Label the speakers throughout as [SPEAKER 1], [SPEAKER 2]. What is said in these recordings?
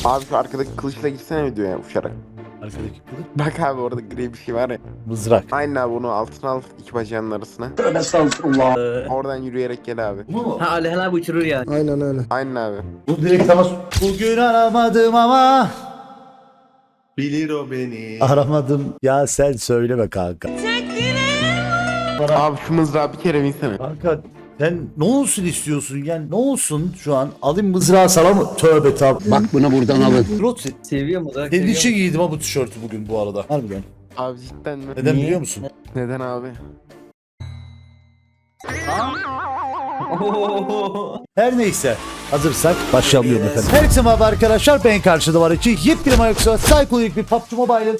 [SPEAKER 1] Abi şu arkadaki kılıçla gitsene videoya uçarak.
[SPEAKER 2] Arkadaki kılıç.
[SPEAKER 1] Bak abi orada gri bir şey var ya.
[SPEAKER 2] Mızrak.
[SPEAKER 1] Aynen abi onu altına al iki bacağının arasına. Oradan yürüyerek gel abi.
[SPEAKER 2] Bu mu?
[SPEAKER 3] Ha Alihan abi uçurur yani.
[SPEAKER 4] Aynen öyle.
[SPEAKER 1] Aynen abi.
[SPEAKER 2] Bu direkt ama bugün aramadım ama
[SPEAKER 5] Bilir o beni.
[SPEAKER 2] aramadım. Ya sen söyleme kanka.
[SPEAKER 1] Abi şu mızrağı bir kere binsene.
[SPEAKER 2] Kanka sen ne olsun istiyorsun yani ne olsun şu an alayım mızrağı sana mı? Tövbe tabi.
[SPEAKER 4] Bak bunu buradan alın.
[SPEAKER 2] Rot
[SPEAKER 3] Seviyor mu? Seviyor
[SPEAKER 2] senin
[SPEAKER 3] mu?
[SPEAKER 2] için giydim ha bu tişörtü bugün bu arada. Harbiden.
[SPEAKER 1] Abi cidden mi?
[SPEAKER 2] Neden
[SPEAKER 3] Niye?
[SPEAKER 2] biliyor musun?
[SPEAKER 1] Neden abi?
[SPEAKER 2] Her neyse hazırsak başlayalım efendim. Herkese merhaba arkadaşlar, ben karşıda var için yepyeni Mayoksa Psycholik bir PUBG Mobile'ın.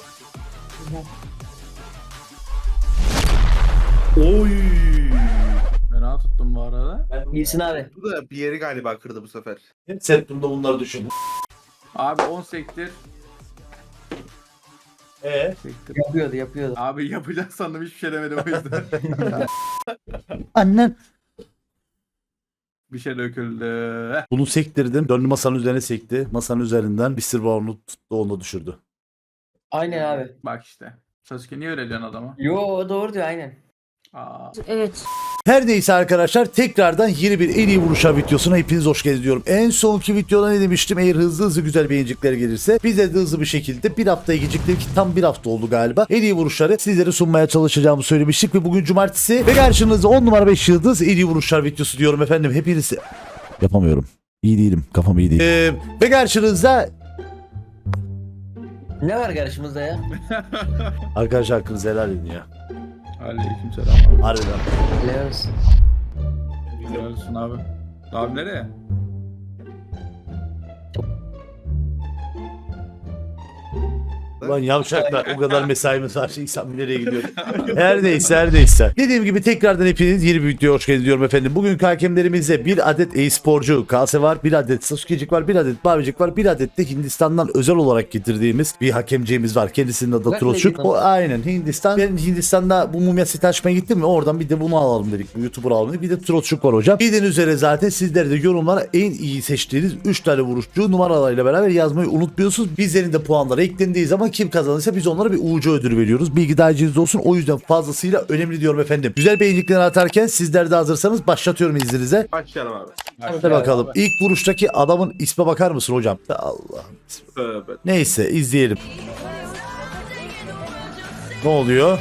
[SPEAKER 5] Oy. Fena tuttum bu arada.
[SPEAKER 3] İyisin abi.
[SPEAKER 5] Bu da bir yeri galiba kırdı bu sefer.
[SPEAKER 2] Hep settimde bunları düşün.
[SPEAKER 6] Abi 10 sektir.
[SPEAKER 5] Sektir.
[SPEAKER 3] Yapıyordu.
[SPEAKER 6] Abi yapacağız sandım hiçbir şey demedim o yüzden.
[SPEAKER 2] Annen.
[SPEAKER 6] Bir şey döküldü.
[SPEAKER 2] Bunu sektirdim. Döndü masanın üzerine sekti. Masanın üzerinden Mr. Brown'u tuttu, onu düşürdü.
[SPEAKER 3] Aynen abi.
[SPEAKER 6] Bak işte. Sasuke niye öyle diyorsun adama?
[SPEAKER 3] Yo doğru diyor aynen.
[SPEAKER 6] Aa.
[SPEAKER 7] Evet.
[SPEAKER 2] Her neyse arkadaşlar, tekrardan yeni bir en iyi vuruşlar videosuna hepiniz hoş geldiniz diyorum. En sonki videoda ne demiştim? Eğer hızlı güzel beğenicikler gelirse bize de hızlı bir şekilde bir haftaya gecikti ki tam bir hafta oldu galiba. En iyi vuruşları sizlere sunmaya çalışacağımı söylemiştik ve bugün cumartesi ve karşınızda 10 numara 5 yıldız en iyi vuruşlar videosu diyorum efendim. Hepiniz yapamıyorum. İyi değilim. Kafam iyi değil. Ve karşınızda
[SPEAKER 3] Ne var karşımızda ya?
[SPEAKER 2] arkadaşlar hakkınızı helal edin ya.
[SPEAKER 6] Aleykümselam abi.
[SPEAKER 2] Harbiden.
[SPEAKER 3] Helal olsun.
[SPEAKER 6] Güzel olsun abi. Abi nereye?
[SPEAKER 2] Ulan yavşaklar, o kadar mesaimiz var. İnsan nereye gidiyor? Her neyse. Dediğim gibi tekrardan hepiniz yeni bir videoya hoş geldiniz diyorum efendim. Bugünkü hakemlerimizde bir adet e-sporcu Kase var, bir adet Sasuke'cik var, bir adet Bavicik var, bir adet de Hindistan'dan özel olarak getirdiğimiz bir hakemciğimiz var. Kendisinin adı
[SPEAKER 3] Bak
[SPEAKER 2] Troçuk.
[SPEAKER 3] ne
[SPEAKER 2] O aynen Hindistan. Ben Hindistan'da bu mumya seti açmaya gittim mi oradan bir de bunu alalım dedik. Bir YouTuber alalım dedik. Bir de Troçuk var hocam. Bildiğiniz üzere zaten sizler de yorumlara en iyi seçtiğiniz 3 tane vuruşçu numaralarıyla beraber yazmayı unutmuyorsunuz. Bizlerin de puanları eklendiği zaman kim kazanırsa biz onlara bir UC ödülü veriyoruz. Bilgi dahiliniz olsun. O yüzden fazlasıyla önemli diyorum efendim. Güzel beğenilikleri atarken sizler de hazırsanız başlatıyorum izninizle.
[SPEAKER 5] Başlayalım abi.
[SPEAKER 2] Hadi bakalım. İlk vuruştaki adamın isme bakar mısın hocam? Allah'ım.
[SPEAKER 5] Tövbe.
[SPEAKER 2] Neyse izleyelim. Ne oluyor?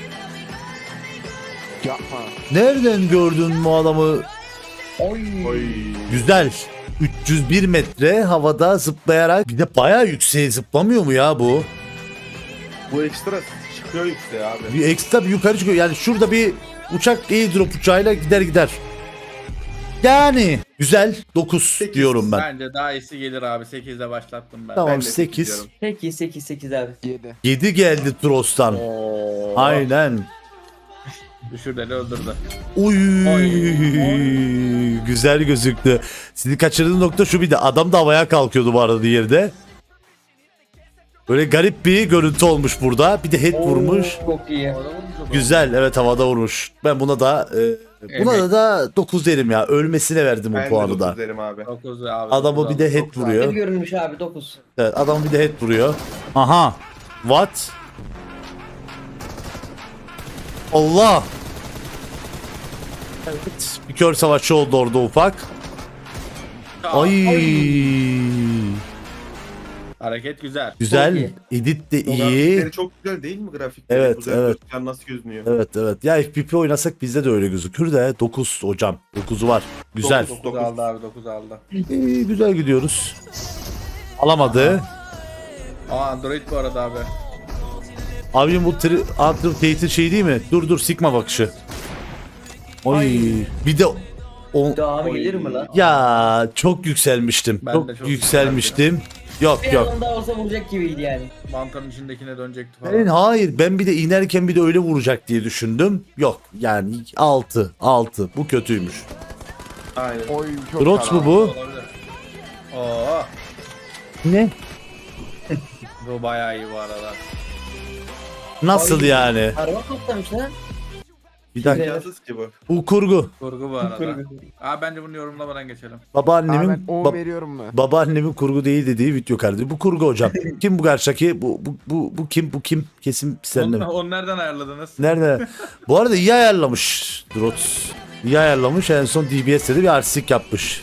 [SPEAKER 1] Yapma.
[SPEAKER 2] Nereden gördün bu adamı?
[SPEAKER 3] Oy.
[SPEAKER 5] Oy.
[SPEAKER 2] Güzel. 301 metre havada zıplayarak, bir de bayağı yükseğe zıplamıyor mu ya bu?
[SPEAKER 5] Bu ekstra çıkıyor yükseğe abi.
[SPEAKER 2] Bir ekstra bir yukarı çıkıyor. Yani şurada bir uçak airdrop uçağıyla gider. Yani güzel 9 diyorum ben.
[SPEAKER 6] Bence daha iyisi gelir abi. 8'de başlattım ben.
[SPEAKER 2] Tamam
[SPEAKER 5] Ben de
[SPEAKER 2] 8.
[SPEAKER 5] diyorum.
[SPEAKER 3] Peki 8 abi.
[SPEAKER 1] 7.
[SPEAKER 2] 7 geldi Tros'tan.
[SPEAKER 6] Oo.
[SPEAKER 2] Aynen.
[SPEAKER 6] Düşürdeli öldürdü.
[SPEAKER 2] Uy.
[SPEAKER 6] Oy.
[SPEAKER 2] Güzel gözüktü. Sizi kaçırdığım nokta şu, bir de adam da havaya kalkıyordu bu arada yerde. Böyle garip bir görüntü olmuş burada. Bir de head vurmuş.
[SPEAKER 3] Çok iyi.
[SPEAKER 2] Güzel, evet havada vurmuş. Ben buna da da 9 derim ya. Ölmesine verdim o
[SPEAKER 5] Ben de
[SPEAKER 2] puanı
[SPEAKER 5] 9
[SPEAKER 2] da.
[SPEAKER 5] derim abi.
[SPEAKER 6] 9 abi.
[SPEAKER 2] Adamı
[SPEAKER 6] dokuz
[SPEAKER 2] bir de
[SPEAKER 6] aldı.
[SPEAKER 2] head
[SPEAKER 6] Çok güzel.
[SPEAKER 2] vuruyor.
[SPEAKER 3] Ne görünmüş abi 9.
[SPEAKER 2] Evet, adam bir de head vuruyor. Aha. What? Allah. Evet. Bir kör savaşçı oldu orada ufak. Ay.
[SPEAKER 6] Hareket güzel.
[SPEAKER 2] Güzel.
[SPEAKER 3] iyi.
[SPEAKER 2] Edit de iyi.
[SPEAKER 5] Grafikleri çok güzel değil mi grafikleri?
[SPEAKER 2] Evet,
[SPEAKER 5] Güzel
[SPEAKER 2] evet.
[SPEAKER 5] gözüküyor, nasıl gözünüyor?
[SPEAKER 2] Evet. Ya FPP oynasak bizde de öyle gözükür de 9 hocam. 9'u var. Güzel.
[SPEAKER 6] 9 aldı abi 9 aldı.
[SPEAKER 2] İyi, güzel gidiyoruz. Alamadı.
[SPEAKER 6] Aa Android bu arada abi.
[SPEAKER 2] Abim bu Andrew şey değil mi? Dur Sigma bakışı. Oy. Bir de o
[SPEAKER 3] Devamı gelir mi lan?
[SPEAKER 2] ya çok yükselmiştim.
[SPEAKER 6] Ben
[SPEAKER 2] Çok,
[SPEAKER 6] de çok
[SPEAKER 2] yükselmiştim. Yok.
[SPEAKER 3] Bir adam daha olsa vuracak gibiydi yani.
[SPEAKER 6] Mantarın içindekine dönecekti falan.
[SPEAKER 2] Hayır, ben bir de inerken bir de öyle vuracak diye düşündüm. Yok yani 6 bu kötüymüş.
[SPEAKER 5] Aynen.
[SPEAKER 1] Oy çok
[SPEAKER 2] Rots mu
[SPEAKER 1] karanlık.
[SPEAKER 2] bu?
[SPEAKER 6] Olabilir. Oo.
[SPEAKER 2] Ne?
[SPEAKER 6] Bu bayağı iyi bu arada.
[SPEAKER 2] Nasıl
[SPEAKER 3] Ay.
[SPEAKER 2] yani?
[SPEAKER 3] Araba patlamış lan.
[SPEAKER 2] Bir dakika.
[SPEAKER 4] İmkansız ki bu.
[SPEAKER 2] Bu kurgu.
[SPEAKER 6] Kurgu bu arada. Abi bence bunu yorumlamadan geçelim.
[SPEAKER 1] Abi
[SPEAKER 2] Babaannemin
[SPEAKER 1] ben 10 veriyorum mu?
[SPEAKER 2] babaannemin kurgu değil dediği video kardeşim. Bu kurgu hocam. Kim bu karşıdaki? Bu kim? Bu kim? Kesin seninle.
[SPEAKER 6] Onu nereden ayarladınız?
[SPEAKER 2] Nerede? Bu arada iyi ayarlamış Drots. İyi ayarlamış. En son DBS'de de bir artistik yapmış.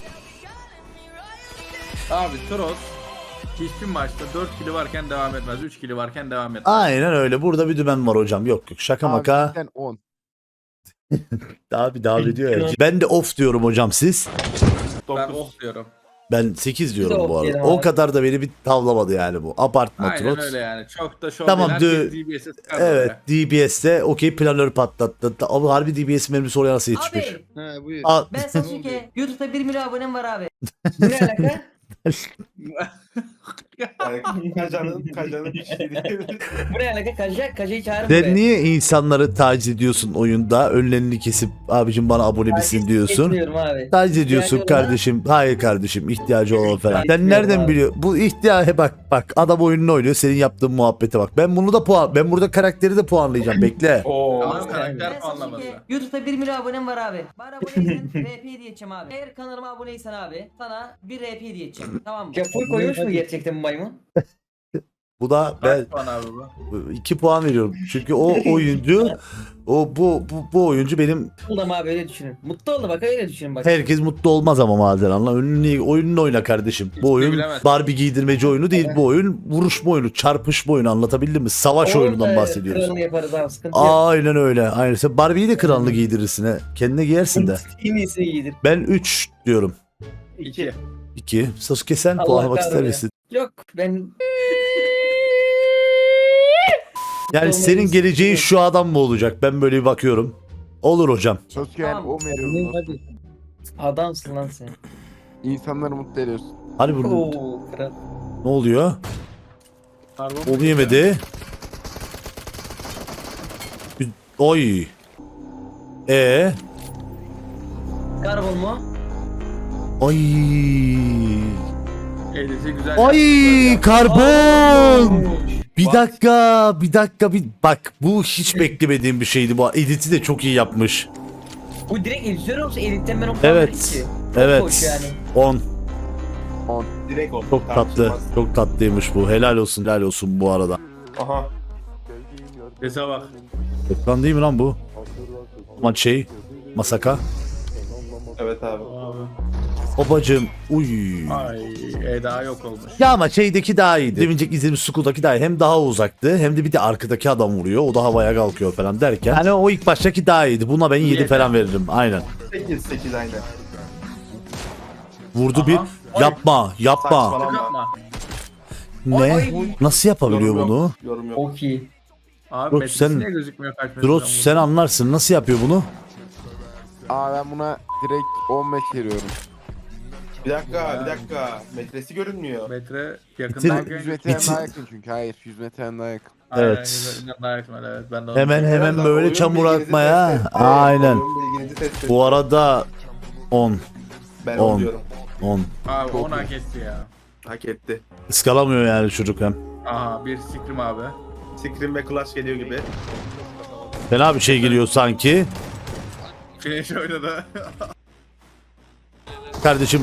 [SPEAKER 6] Abi Toros hiçbir maçta 4 kili varken devam etmez. 3 kili varken devam etmez.
[SPEAKER 2] Aynen öyle. Burada bir dümen var hocam. Yok yok. Şaka
[SPEAKER 1] Abi
[SPEAKER 2] maka.
[SPEAKER 1] cidden 10.
[SPEAKER 2] Abi devam ediyor ya. Ben de off diyorum hocam siz.
[SPEAKER 6] Ben oh diyorum.
[SPEAKER 2] Ben 8 diyorum
[SPEAKER 3] Biz de
[SPEAKER 2] bu
[SPEAKER 3] off
[SPEAKER 2] arada.
[SPEAKER 3] diyelim
[SPEAKER 2] O
[SPEAKER 3] abi.
[SPEAKER 2] kadar da beni bir tavlamadı yani bu. Abartma
[SPEAKER 6] Aynen
[SPEAKER 2] Trots.
[SPEAKER 6] öyle yani. Çok da şov
[SPEAKER 2] Tamam,
[SPEAKER 6] değil. Herkes DBS'e sıkar
[SPEAKER 2] Evet
[SPEAKER 6] böyle.
[SPEAKER 2] DBS'de okey planör patlattı. Ama harbi DBS mermisi oraya nasıl yetişmiş?
[SPEAKER 3] Abi
[SPEAKER 4] He buyur.
[SPEAKER 2] Al.
[SPEAKER 3] ben Sasuke. YouTube'da 1 milyon abonem var abi. Bu ne alaka?
[SPEAKER 4] Kajanın bir şey değil.
[SPEAKER 3] Bu ne alaka? Kaja'yı çağırın
[SPEAKER 2] Sen
[SPEAKER 3] buraya.
[SPEAKER 2] niye insanları taciz ediyorsun oyunda? Önlerini kesip abicim bana abone misin diyorsun.
[SPEAKER 3] Getiriyorum abi.
[SPEAKER 2] Taciz ediyorsun
[SPEAKER 3] İhtiyacı olan-
[SPEAKER 2] kardeşim. Hayır kardeşim ihtiyacı olan falan. Sen
[SPEAKER 3] Etmiyorum
[SPEAKER 2] nereden
[SPEAKER 3] abi.
[SPEAKER 2] biliyor? Bu ihtiyacı bak adam oyununu oynuyor. Senin yaptığın muhabbete bak. Ben bunu da ben burada karakteri de puanlayacağım. Bekle.
[SPEAKER 6] Ama karakter
[SPEAKER 3] Ben
[SPEAKER 6] puanlaması.
[SPEAKER 3] Sasuke. YouTube'da 1 milyon abonem var abi. Bana aboneysen RP hediye edeceğim abi. Eğer kanalıma aboneysen abi sana bir RP hediye edeceğim. Tamam mı? Ya full koymuş mu gerçekten bu maymun?
[SPEAKER 2] Bu da ben
[SPEAKER 6] Kaç puan abi bu?
[SPEAKER 2] 2 puan veriyorum. Çünkü o oyuncu bu oyuncu benim
[SPEAKER 3] Oldum abi öyle düşünün. Mutlu oldu bak öyle düşünün bak.
[SPEAKER 2] herkes mutlu olmaz ama maden anla. Oyununu oyna kardeşim. Bu oyun
[SPEAKER 6] bilemez.
[SPEAKER 2] Barbie giydirmeci oyunu değil. Bu oyun vuruşma oyunu, çarpışma oyunu anlatabildim mi? Savaş oyunundan bahsediyoruz.
[SPEAKER 3] Kralını yaparız abi sıkıntı yok.
[SPEAKER 2] Aynen öyle. Aynen. Sen Barbie'yi de kralını giydirirsin he. Kendine giyersin de.
[SPEAKER 3] En iyisini giydir.
[SPEAKER 2] Ben 3 diyorum.
[SPEAKER 6] 2.
[SPEAKER 2] 2. Sasuke sen
[SPEAKER 3] Allah
[SPEAKER 2] puanlamak ister
[SPEAKER 3] kahretsin.
[SPEAKER 2] misin?
[SPEAKER 3] Yok ben
[SPEAKER 2] Yani
[SPEAKER 3] Olmayı
[SPEAKER 2] senin geleceğin
[SPEAKER 3] istiyorum.
[SPEAKER 2] şu adam mı olacak? Ben böyle bir bakıyorum. Olur hocam.
[SPEAKER 1] Sasuke yani
[SPEAKER 3] Tamam.
[SPEAKER 1] 10 veriyorum dostum.
[SPEAKER 3] adamsın lan sen.
[SPEAKER 1] İnsanları mutlu ediyorsun.
[SPEAKER 2] Hadi bunu.
[SPEAKER 3] Oo kral.
[SPEAKER 2] Ne oluyor? Onu yemedi. Oy.
[SPEAKER 3] Karbon mu?
[SPEAKER 2] Ay.
[SPEAKER 6] Elisi güzel.
[SPEAKER 2] Ay karbon. Bir
[SPEAKER 6] Bak.
[SPEAKER 2] dakika bak bu hiç beklemediğim bir şeydi bu. Edit'i de çok iyi yapmış.
[SPEAKER 3] Bu direkt editör olsa editten ben o kadar
[SPEAKER 2] Evet.
[SPEAKER 3] ki.
[SPEAKER 2] Evet.
[SPEAKER 3] Hoş yani.
[SPEAKER 2] 10.
[SPEAKER 4] Direkt oldu.
[SPEAKER 2] Çok tatlı. Çok tatlıymış bu. Helal olsun bu arada.
[SPEAKER 4] Aha.
[SPEAKER 6] Sese bak.
[SPEAKER 2] Ekran değil mi lan bu? Ama Masaka.
[SPEAKER 4] Evet abi.
[SPEAKER 6] Abi.
[SPEAKER 2] Babacım. Uy.
[SPEAKER 6] Ay Eda yok olmuş.
[SPEAKER 2] Ya ama şeydeki daha iyiydi. Demincek izlediğimiz Skull'daki daha iyi. Hem daha uzaktı hem de bir de arkadaki adam vuruyor. O da havaya kalkıyor falan derken. Hani o ilk baştaki daha iyiydi. Buna ben 7 falan veririm. Aynen.
[SPEAKER 4] 8 aynen.
[SPEAKER 2] Vurdu
[SPEAKER 6] Aha.
[SPEAKER 2] bir.
[SPEAKER 6] Ay.
[SPEAKER 2] Yapma.
[SPEAKER 4] Saçmalama.
[SPEAKER 6] Yapma.
[SPEAKER 2] Ne?
[SPEAKER 3] Ay.
[SPEAKER 2] Nasıl yapabiliyor
[SPEAKER 4] Yorum yok.
[SPEAKER 2] bunu?
[SPEAKER 4] Yorum yok.
[SPEAKER 3] Çok iyi.
[SPEAKER 6] Abi
[SPEAKER 2] Drots,
[SPEAKER 6] metresi
[SPEAKER 2] sen-
[SPEAKER 6] niye gözükmüyor kaç metreden
[SPEAKER 2] Drots sen
[SPEAKER 6] vurdu?
[SPEAKER 2] anlarsın. Nasıl yapıyor bunu?
[SPEAKER 1] Aa ben buna direkt 15 veriyorum.
[SPEAKER 4] Bir dakika. Metresi görünmüyor.
[SPEAKER 6] Metre
[SPEAKER 2] Bitir-
[SPEAKER 6] yakından
[SPEAKER 1] 100 metreden daha yakın çünkü. Hayır 100 metreden daha yakın.
[SPEAKER 2] Evet.
[SPEAKER 6] Daha yakın, evet. Ben de onu
[SPEAKER 2] Hemen
[SPEAKER 4] Birazdan
[SPEAKER 2] böyle
[SPEAKER 4] oyun
[SPEAKER 2] çamur
[SPEAKER 4] bilginizi
[SPEAKER 2] atmaya.
[SPEAKER 4] test et.
[SPEAKER 2] Aynen.
[SPEAKER 4] Oyun bilginizi test et.
[SPEAKER 2] Bu arada 10.
[SPEAKER 4] Ben
[SPEAKER 2] 10.
[SPEAKER 4] 10 diyorum.
[SPEAKER 2] 10.
[SPEAKER 6] Abi
[SPEAKER 1] Çok
[SPEAKER 6] onu
[SPEAKER 1] iyi.
[SPEAKER 6] hak etti ya.
[SPEAKER 4] Hak etti.
[SPEAKER 2] Iskalamıyor yani çocuk hem.
[SPEAKER 6] Aha bir sikrim abi.
[SPEAKER 4] Scream ve Clash geliyor gibi.
[SPEAKER 2] Fena bir şey geliyor sanki.
[SPEAKER 6] Finish oynadı.
[SPEAKER 2] Kardeşim.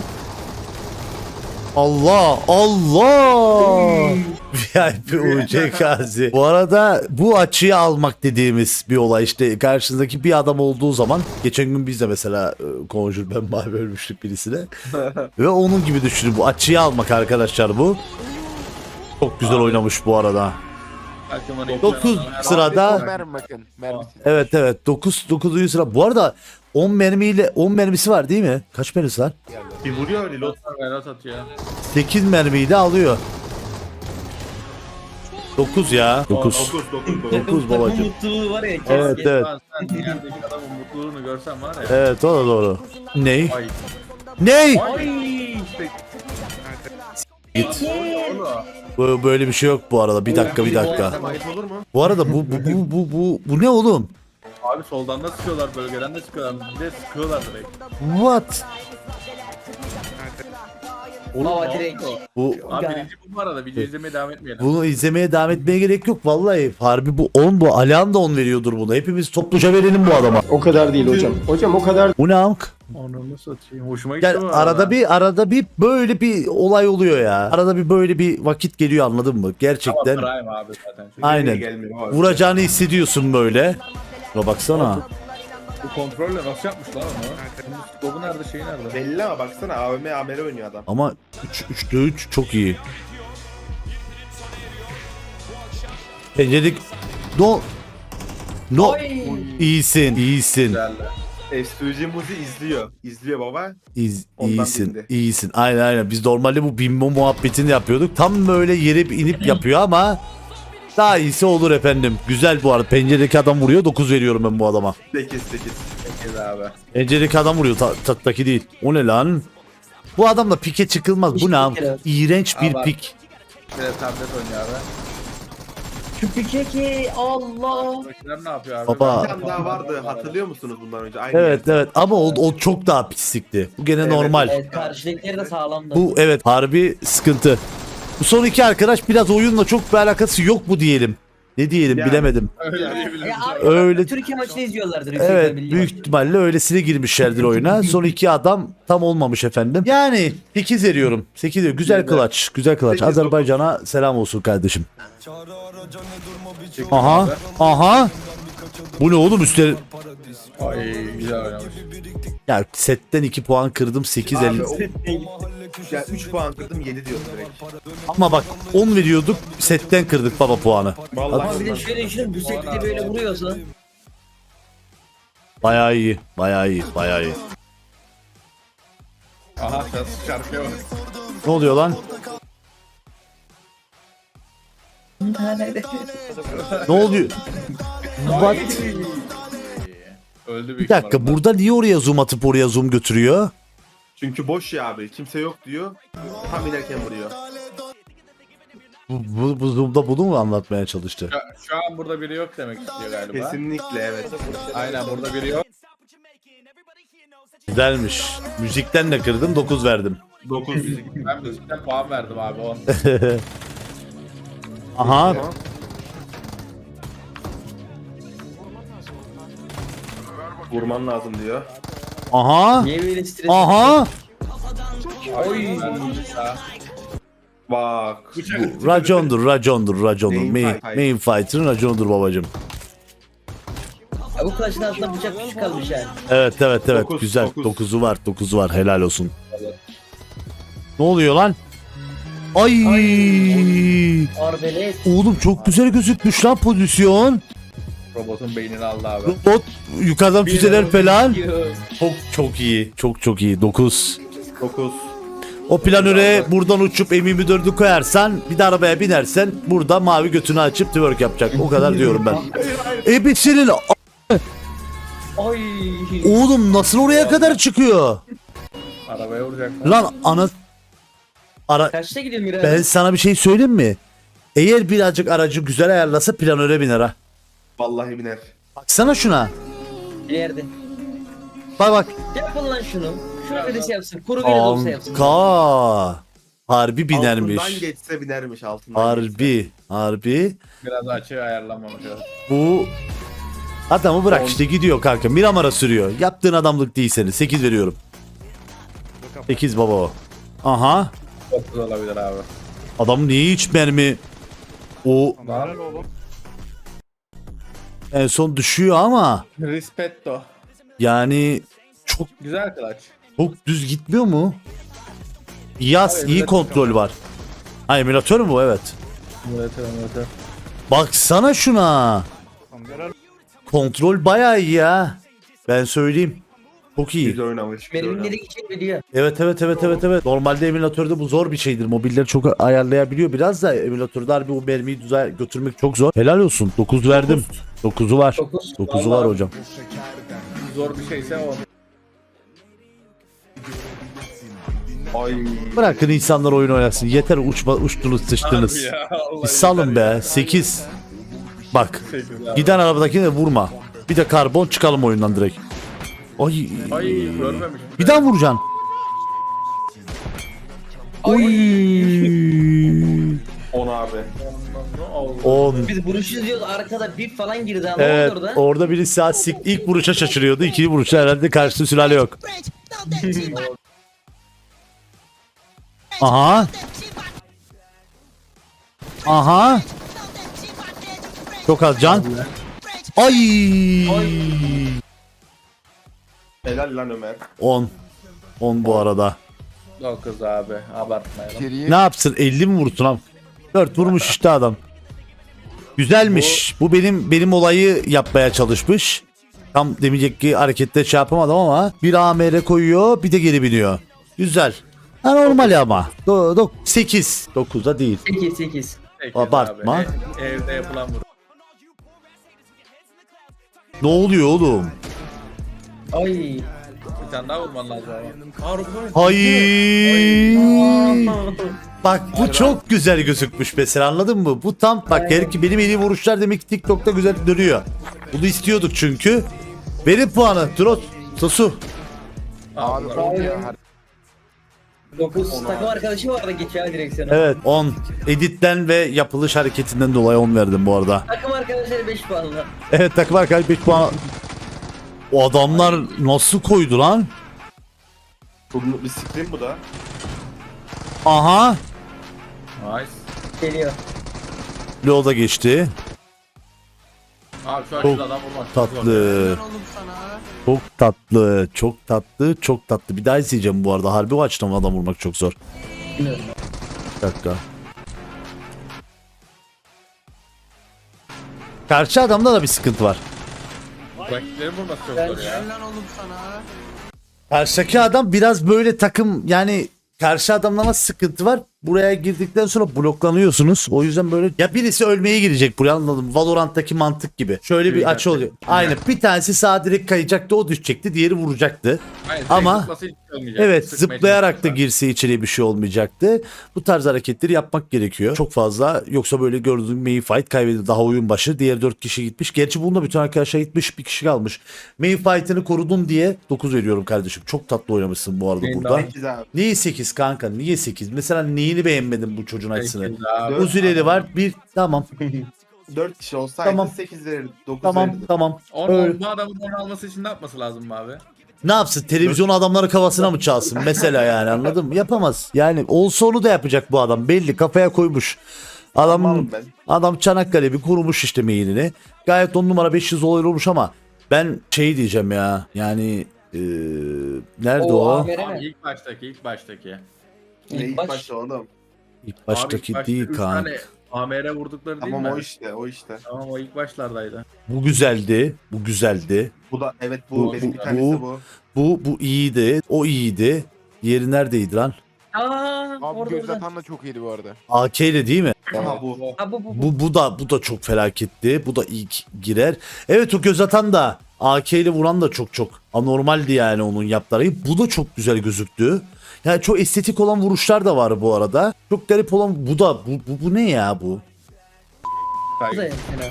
[SPEAKER 2] Allah. VIP UC Gazi. Bu arada bu açıyı almak dediğimiz bir olay işte karşınızdaki bir adam olduğu zaman geçen gün biz de mesela Conjure ben mavi ölmüştük birisine ve onun gibi düşünün bu açıyı almak arkadaşlar bu. Çok güzel oynamış bu arada.
[SPEAKER 6] Aklıma
[SPEAKER 2] 9 sırada
[SPEAKER 1] Mermi bakın. Mermisi.
[SPEAKER 2] evet 9. sıra. Bu arada 10 mermisi var değil mi? Kaç mermisi var?
[SPEAKER 4] Bir vuruyor öyle lot.
[SPEAKER 6] Velat atıyor.
[SPEAKER 2] 8 mermiyi de alıyor. 9 ya. 9. 9 babacım.
[SPEAKER 3] Mutluluğu var ya.
[SPEAKER 2] Evet
[SPEAKER 3] keşke.
[SPEAKER 2] evet.
[SPEAKER 6] Lan sen yerdeki adamın mutluluğunu görsen var ya.
[SPEAKER 2] Evet o da doğru. Ney?
[SPEAKER 6] Ay.
[SPEAKER 2] Ney?
[SPEAKER 6] Ay.
[SPEAKER 2] Git.
[SPEAKER 6] Oğlum.
[SPEAKER 2] Böyle bir şey yok bu arada. Bir dakika.
[SPEAKER 4] Ayıp olur mu?
[SPEAKER 2] Bu arada bu ne oğlum?
[SPEAKER 6] Abi soldan da sıkıyorlar, bölgeden de sıkıyorlar. Bir de sıkıyorlar direkt.
[SPEAKER 2] What?
[SPEAKER 3] Baba direkt.
[SPEAKER 2] Bu
[SPEAKER 6] Abi birinci bu arada. Video izlemeye devam etmeyelim.
[SPEAKER 2] bunu izlemeye devam etmeye gerek yok vallahi. Harbi bu 10 bu. Alihan da 10 veriyordur bunu. Hepimiz topluca verelim bu adama.
[SPEAKER 7] O kadar değil hocam. Hocam o kadar
[SPEAKER 2] Bu ne amk?
[SPEAKER 6] Onu satayım. Hoşuma gitti
[SPEAKER 2] Gel
[SPEAKER 6] bu
[SPEAKER 2] arada bir böyle bir olay oluyor ya. Arada bir böyle bir vakit geliyor anladın mı?
[SPEAKER 6] Ama
[SPEAKER 2] Gerçekten.
[SPEAKER 6] Prime abi zaten.
[SPEAKER 2] Aynen.
[SPEAKER 4] Gelmiyor abi.
[SPEAKER 2] Vuracağını hissediyorsun böyle. Şuna baksana.
[SPEAKER 6] Bu kontrolle nasıl yapmış lan onu? Dobu nerede şey nerede?
[SPEAKER 4] Belli ama baksana AVM amele oynuyor adam.
[SPEAKER 2] Ama 3'te 3 çok iyi. Penceredik. No.
[SPEAKER 3] Ay.
[SPEAKER 2] İyisin.
[SPEAKER 6] Güzeldi.
[SPEAKER 4] S2G Muzi izliyor. İzliyor baba. Ondan
[SPEAKER 2] İyisin.
[SPEAKER 4] bindi.
[SPEAKER 2] İyisin. Aynen. Biz normalde bu bimbo muhabbetini yapıyorduk. Tam böyle yere inip yapıyor ama daha iyisi olur efendim. Güzel bu arada. Penceredeki adam vuruyor. 9 veriyorum ben bu adama.
[SPEAKER 4] 8.
[SPEAKER 6] Peki abi.
[SPEAKER 2] Penceredeki adam vuruyor. Tattaki değil. O ne lan? Bu adamla pike çıkılmaz. Bu ne?
[SPEAKER 3] İşte
[SPEAKER 2] İğrenç bir
[SPEAKER 6] Ama-
[SPEAKER 2] pik.
[SPEAKER 6] Bir de tablet oynuyor abi.
[SPEAKER 3] Şu pike Allah.
[SPEAKER 6] Buradakiler ne yapıyor abi?
[SPEAKER 2] Baba.
[SPEAKER 4] Bir tane daha vardı. Hatırlıyor musunuz bundan önce? Aynı
[SPEAKER 2] Evet evet ama o çok daha pislikti. Bu gene
[SPEAKER 4] Evet,
[SPEAKER 2] normal.
[SPEAKER 3] Evet karşıdakileri de sağlamdı.
[SPEAKER 2] Bu evet harbi sıkıntı. Bu son iki arkadaş biraz oyunla çok bir alakası yok mu diyelim. Ne diyelim
[SPEAKER 4] Yani.
[SPEAKER 2] bilemedim.
[SPEAKER 6] Öyle diyebiliriz.
[SPEAKER 3] Ya abi,
[SPEAKER 2] Öyle-
[SPEAKER 3] Türkiye maçını izliyorlardır. yüksek
[SPEAKER 2] Evet
[SPEAKER 3] ihtimalle.
[SPEAKER 2] büyük ihtimalle öylesine girmişlerdir oyuna. Son iki adam tam olmamış efendim. Yani 8 veriyorum. 8 diyor. Güzel kılaç. Güzel kılaç.
[SPEAKER 4] 8,
[SPEAKER 2] Azerbaycan'a selam olsun kardeşim.
[SPEAKER 6] Çektim
[SPEAKER 2] Aha.
[SPEAKER 6] abi.
[SPEAKER 2] Aha. Bu ne oğlum üstleri.
[SPEAKER 6] Ay güzel oynamış.
[SPEAKER 2] Ya setten 2 puan kırdım 8
[SPEAKER 4] Abi
[SPEAKER 2] 50.
[SPEAKER 4] o... Ya 3 puan kırdım 7 diyorum direkt.
[SPEAKER 2] Ama bak 10 veriyorduk setten kırdık baba puanı.
[SPEAKER 4] Vallahi.
[SPEAKER 3] Ama bir de şöyle düşünün bu sekte böyle vuruyorsa.
[SPEAKER 2] Bayağı iyi. Bayağı iyi. Bayağı iyi.
[SPEAKER 6] Aha şarkıya bak.
[SPEAKER 2] Ne oluyor lan? Ne oluyor? What?
[SPEAKER 6] Öldü büyük
[SPEAKER 2] Bir dakika
[SPEAKER 6] ihtimalle.
[SPEAKER 2] burada niye oraya zoom atıp oraya zoom götürüyor?
[SPEAKER 4] Çünkü boş ya abi. Kimse yok diyor. Tam inerken vuruyor.
[SPEAKER 2] Bu zoom'da bunu mu anlatmaya çalıştı?
[SPEAKER 6] Şu an burada biri yok demek istiyor galiba.
[SPEAKER 4] Kesinlikle evet.
[SPEAKER 6] Aynen burada biri yok.
[SPEAKER 2] Güzelmiş. Müzikten de kırdım 9 verdim.
[SPEAKER 4] 9.
[SPEAKER 6] Ben müzikten puan verdim abi 10.
[SPEAKER 2] Aha.
[SPEAKER 4] Vurman lazım diyor.
[SPEAKER 2] Aha.
[SPEAKER 3] Niye böyle stres?
[SPEAKER 2] Aha.
[SPEAKER 3] Oy.
[SPEAKER 4] Bak.
[SPEAKER 2] Bu racondur.
[SPEAKER 4] Main
[SPEAKER 2] Main,
[SPEAKER 4] fight.
[SPEAKER 2] main fighter'ın raconudur babacım.
[SPEAKER 3] Ya bu kılıçın altında bıçak küçük kalmış yani.
[SPEAKER 2] Evet.
[SPEAKER 4] Dokuz,
[SPEAKER 2] Güzel.
[SPEAKER 4] dokuz.
[SPEAKER 2] 9'u var. 9'u var. Helal olsun. Ne oluyor lan? Ay.
[SPEAKER 3] Arbelet.
[SPEAKER 2] Oğlum çok güzel gözükmüş lan pozisyon.
[SPEAKER 6] Robotun beynini aldı abi.
[SPEAKER 2] Robot yukarıdan füzeler falan.
[SPEAKER 3] Diyor.
[SPEAKER 2] Çok iyi. Çok iyi. 9.
[SPEAKER 4] 9.
[SPEAKER 2] O planöre buradan uçup M24'ü koyarsan bir de arabaya binersen burada mavi götünü açıp twerk yapacak. O kadar diyorum ben. Ebesinin
[SPEAKER 3] Ay.
[SPEAKER 2] oğlum nasıl oraya kadar çıkıyor?
[SPEAKER 6] Arabaya vuracak.
[SPEAKER 2] Lan ana
[SPEAKER 3] Kaçta gidiyor Miray?
[SPEAKER 2] ben sana bir şey söyleyeyim mi? Eğer birazcık aracı güzel ayarlasa planöre biner ha.
[SPEAKER 4] Vallahi biner.
[SPEAKER 2] Baksana şuna.
[SPEAKER 3] Bir yerde.
[SPEAKER 2] Bak.
[SPEAKER 3] Yapın lan şunu. Şunu birisi yapsın. Kuru biri de olsa yapsın.
[SPEAKER 2] Anka. Harbi binermiş.
[SPEAKER 4] Altından geçse binermiş altından. geçse.
[SPEAKER 2] Harbi.
[SPEAKER 6] Biraz açığı ayarlanmamış.
[SPEAKER 2] Bu adamı bırak işte gidiyor kanka. Miramar'a sürüyor. Yaptığın adamlık değil seni. 8 veriyorum. 8 baba o. Aha.
[SPEAKER 6] Çok güzel olabilir abi.
[SPEAKER 2] Adam niye hiç mermi o en son düşüyor ama
[SPEAKER 6] Rispetto.
[SPEAKER 2] yani çok
[SPEAKER 6] Güzel kılaç.
[SPEAKER 2] düz gitmiyor mu? Yaz
[SPEAKER 6] Abi,
[SPEAKER 2] iyi
[SPEAKER 6] emülatör
[SPEAKER 2] kontrol var. Ha emülatör mü bu? Evet.
[SPEAKER 6] Evet.
[SPEAKER 2] Baksana şuna. Kontrol bayağı iyi ya. Ben söyleyeyim. Çok iyi.
[SPEAKER 4] Güzel oynamış. güzel oynamış.
[SPEAKER 3] Merminleri için biliyor.
[SPEAKER 2] Evet. Normalde emülatörde bu zor bir şeydir. Mobilleri çok ayarlayabiliyor biraz da emülatörde harbi o mermiyi düzeye götürmek çok zor. Helal olsun. 9 verdim. 9'u var. 9'u var hocam.
[SPEAKER 6] Zor bir şeyse o.
[SPEAKER 4] Ay.
[SPEAKER 2] Bırakın insanlar oyun oynasın. Yeter uçtunuz sıçtınız.
[SPEAKER 6] Harbi ya, vallahi
[SPEAKER 2] Bir salın be. 8. Bak.
[SPEAKER 6] sekiz abi.
[SPEAKER 2] Giden arabadakini de vurma. Bir de karbon çıkalım oyundan direkt. Ay.
[SPEAKER 6] Ay görmemiş.
[SPEAKER 2] Bir daha vuracaksın. Oy.
[SPEAKER 4] 10 abi.
[SPEAKER 2] 10.
[SPEAKER 3] Biz vuruş izliyoruz arkada bip falan girdi ama
[SPEAKER 2] Evet,
[SPEAKER 3] orada.
[SPEAKER 2] orada biri saat ilk vuruşa şaşırıyordu. İkinci vuruşta herhalde karşısında sülale yok. Aha. Aha. Çok az can. Ay.
[SPEAKER 4] Helal lan Ömer.
[SPEAKER 2] 10. 10 bu arada.
[SPEAKER 6] 9 abi abartmayalım.
[SPEAKER 1] İçeriye
[SPEAKER 2] Ne yapsın? 50 mi vursun abi? 4 vurmuş işte adam. Güzelmiş. Bu benim olayı yapmaya çalışmış. Tam demeyecek ki harekette şey yapamadım ama bir AMR koyuyor, bir de geri biniyor. Güzel. Ha, normal ama. 8. 9'da değil.
[SPEAKER 3] 8.
[SPEAKER 6] Peki
[SPEAKER 2] Abartma.
[SPEAKER 6] abi. Evde yapılan vuruş.
[SPEAKER 2] Ne oluyor oğlum?
[SPEAKER 3] Ay.
[SPEAKER 6] Bir tane daha vurman lazım ama. Harbi.
[SPEAKER 2] Hayır. Bak bu çok güzel gözükmüş mesela, anladın mı? Bu tam bak, her ki benim en iyi vuruşlar demek ki TikTok'ta güzel dönüyor. Bunu istiyorduk çünkü. Verin puanı. Trot. Sosu.
[SPEAKER 1] abi on ya.
[SPEAKER 3] 9 takım arkadaşı vardı geçiyor direksiyona.
[SPEAKER 2] Evet 10. Editten ve yapılış hareketinden dolayı 10 verdim bu arada.
[SPEAKER 3] Takım arkadaşları 5 puanla.
[SPEAKER 2] Evet, takım arkadaş 5 puan. O adamlar nasıl koydu lan?
[SPEAKER 4] Bir screen bu da.
[SPEAKER 2] Aha.
[SPEAKER 6] Nice.
[SPEAKER 3] Geliyor.
[SPEAKER 2] Loda geçti.
[SPEAKER 6] Abi şu
[SPEAKER 2] Çok
[SPEAKER 6] açıda adam vurmak çok zor.
[SPEAKER 2] tatlı. Çok tatlı. Çok tatlı. Çok tatlı. Bir daha izleyeceğim bu arada. Harbi o açıdan adam vurmak çok zor.
[SPEAKER 3] Bilmiyorum.
[SPEAKER 2] Bir dakika. Karşı adamda da bir sıkıntı var.
[SPEAKER 6] Rakiplerin vurması çok zor ya.
[SPEAKER 2] Karşıdaki adam biraz böyle takım, yani karşı adamlama sıkıntı var. Buraya girdikten sonra bloklanıyorsunuz. O yüzden böyle ya birisi ölmeye girecek buraya, anladım. Valorant'taki mantık gibi. Şöyle bir açı oluyor. Aynen. Bir tanesi sağa direkt kayacaktı, o düşecekti. Diğeri vuracaktı.
[SPEAKER 6] Aynen,
[SPEAKER 2] Ama-
[SPEAKER 6] zıplasa hiç olmayacak.
[SPEAKER 2] Evet,
[SPEAKER 6] Sıkmaya
[SPEAKER 2] zıplayarak da
[SPEAKER 6] çalışacaklar.
[SPEAKER 2] girse içeriye bir şey olmayacaktı. Bu tarz hareketleri yapmak gerekiyor. Çok fazla, yoksa böyle gördüğüm main fight kaybedildi daha oyun başı. Diğer 4 kişi gitmiş. Gerçi bunda bütün arkadaşlar gitmiş, bir kişi kalmış. Main fight'ını korudun diye 9 veriyorum kardeşim. Çok tatlı oynamışsın bu arada
[SPEAKER 6] Main
[SPEAKER 2] burada.
[SPEAKER 4] 8 abi.
[SPEAKER 2] Niye 8 kanka? Niye 8? Mesela neyini beğenmedin bu çocuğun açısını?
[SPEAKER 6] Sekiz abi.
[SPEAKER 2] Uzileri var. Bir tamam.
[SPEAKER 4] 4 kişi olsaydı
[SPEAKER 2] Tamam.
[SPEAKER 4] 8 verirdi. 9
[SPEAKER 2] Tamam
[SPEAKER 4] verirdi.
[SPEAKER 2] tamam.
[SPEAKER 6] On,
[SPEAKER 2] Öyle.
[SPEAKER 6] bu adamın onu alması için ne yapması lazım abi?
[SPEAKER 2] Ne yapsın? Televizyonu adamların kafasına mı çalsın? Mesela yani, anladın mı? Yapamaz. Yani olsa onu da yapacak bu adam. Belli, kafaya koymuş. Adam
[SPEAKER 4] Tamam ben.
[SPEAKER 2] adam Çanakkale bir kurmuş işte meyilini. Gayet 10 numara 500 olay olmuş ama ben şey diyeceğim ya. Yani nerede o?
[SPEAKER 3] AMR
[SPEAKER 6] Abi
[SPEAKER 3] mi?
[SPEAKER 6] ilk baştaki.
[SPEAKER 4] Ne ilk
[SPEAKER 3] baş-
[SPEAKER 4] başta oğlum.
[SPEAKER 2] İlk
[SPEAKER 6] Abi
[SPEAKER 2] baştaki
[SPEAKER 6] ilk başta
[SPEAKER 2] değil
[SPEAKER 6] üç
[SPEAKER 2] kanka.
[SPEAKER 6] tane AMR vurdukları değil
[SPEAKER 4] Tamam
[SPEAKER 6] mi?
[SPEAKER 4] o işte o işte.
[SPEAKER 6] Tamam o ilk başlardaydı.
[SPEAKER 2] Bu güzeldi. Bu güzeldi.
[SPEAKER 4] Bu da evet bu,
[SPEAKER 2] Bu-
[SPEAKER 4] benim
[SPEAKER 2] bu-
[SPEAKER 4] bir tanesi bu.
[SPEAKER 2] Bu iyiydi. O iyiydi. Diğeri neredeydi lan?
[SPEAKER 3] Aa,
[SPEAKER 1] Abi
[SPEAKER 3] orada
[SPEAKER 1] göz
[SPEAKER 3] orada.
[SPEAKER 1] atan da çok iyiydi bu arada.
[SPEAKER 2] AK ile değil mi?
[SPEAKER 4] Aha bu.
[SPEAKER 3] Ha bu.
[SPEAKER 2] Bu da çok felaketti. Bu da ilk girer. Evet, o göz atan da AK ile vuran da çok anormaldi yani onun yaptığı. Bu da çok güzel gözüktü. Yani çok estetik olan vuruşlar da var bu arada. Çok garip olan bu da bu ne ya bu?
[SPEAKER 3] Bu da fena.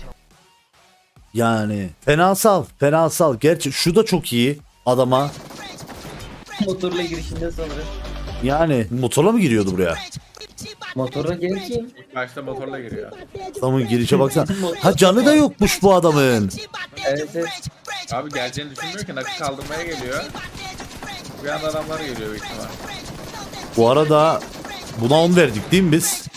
[SPEAKER 2] Yani fenasal. Gerçi şu da çok iyi adama.
[SPEAKER 3] Motorla girişinde sanırım.
[SPEAKER 2] Yani motorla mı giriyordu buraya?
[SPEAKER 3] Motorla gelir ki.
[SPEAKER 6] İlk başta motorla giriyor.
[SPEAKER 2] Adamın girişe baksana. Ha, canı da yokmuş bu adamın.
[SPEAKER 3] Evet evet.
[SPEAKER 6] Abi geleceğini düşünmüyor ki nakı kaldırmaya geliyor. Bir anda adamlar geliyor büyük ihtimal.
[SPEAKER 2] Bu arada buna 10 verdik değil mi biz?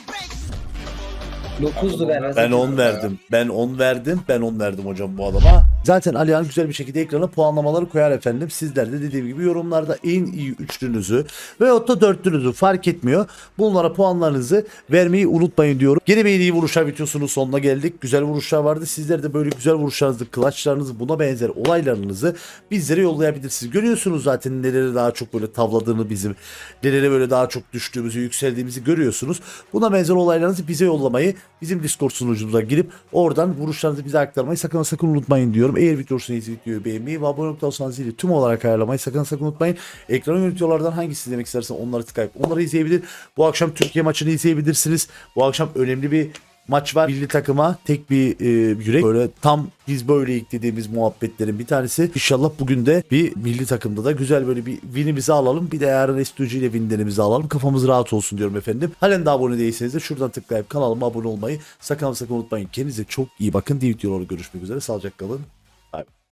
[SPEAKER 3] 9'du ben.
[SPEAKER 2] Ben 10 verdim. Ben 10 verdim hocam bu adama. Zaten Alihan güzel bir şekilde ekrana puanlamaları koyar efendim. Sizler de dediğim gibi yorumlarda en iyi üçlünüzü veyahut da dörtlünüzü fark etmiyor. Bunlara puanlarınızı vermeyi unutmayın diyorum. Gene bir en iyi vuruşlar videosunun sonuna geldik. Güzel vuruşlar vardı. Sizler de böyle güzel vuruşlarınızı, clutchlarınızı, buna benzer olaylarınızı bizlere yollayabilirsiniz. Görüyorsunuz zaten nelere daha çok böyle tavladığını bizim, nelere böyle daha çok düştüğümüzü, yükseldiğimizi görüyorsunuz. Buna benzer olaylarınızı bize yollamayı, bizim Discord sunucumuza girip oradan vuruşlarınızı bize aktarmayı sakın unutmayın diyorum. Eğer video hoşuna gittiyse videoyu beğenmeyi ve abone olursanız zili tüm olarak ayarlamayı sakın unutmayın. Ekran yönetiyorlardan hangisi izlemek istersen onları tıklayıp onları izleyebilir. Bu akşam Türkiye maçını izleyebilirsiniz. Bu akşam önemli bir maç var. Milli takıma tek bir yürek. Böyle tam biz böyle dediğimiz muhabbetlerin bir tanesi. İnşallah bugün de bir milli takımda da güzel böyle bir winimizi alalım. Bir de yarın STG ile winlerimizi alalım. Kafamız rahat olsun diyorum efendim. Halen de abone değilseniz de şuradan tıklayıp kanalıma abone olmayı sakın unutmayın. Kendinize çok iyi bakın. Diğer videolarda görüşmek üzere. Sağlıcakla kalın. Bye.